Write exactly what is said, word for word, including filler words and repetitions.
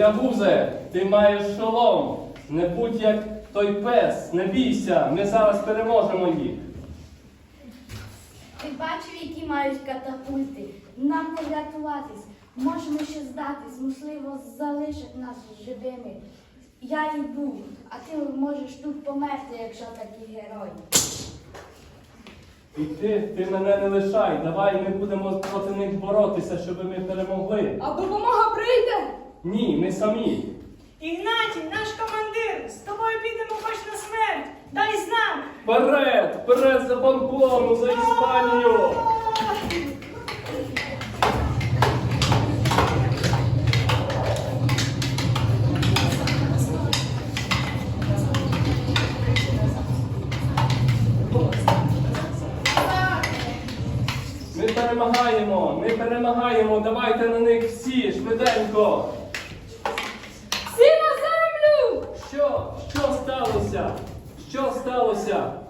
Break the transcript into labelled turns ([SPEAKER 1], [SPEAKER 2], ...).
[SPEAKER 1] Боягузе, ти маєш шолом. Не будь як той пес, не бійся, ми зараз переможемо їх.
[SPEAKER 2] Ти бачив, які мають катапульти? Нам не врятуватись. Можемо ще здатись, можливо, залишать нас живими. Я йду, а ти можеш тут померти, якщо такий герой.
[SPEAKER 1] І ти, ти мене не лишай, давай ми будемо проти них боротися, щоб ми перемогли.
[SPEAKER 3] А допомога прийде?
[SPEAKER 1] Ні, ми самі.
[SPEAKER 4] Ігнатій, наш командир, з тобою підемо хоч на смерть. Дай знак.
[SPEAKER 1] Вперед, вперед за Памплону, за Іспанію! Ми перемагаємо, ми перемагаємо, давайте на них всі, швиденько.
[SPEAKER 3] Всі на землю!
[SPEAKER 1] Що? Що сталося? Що сталося?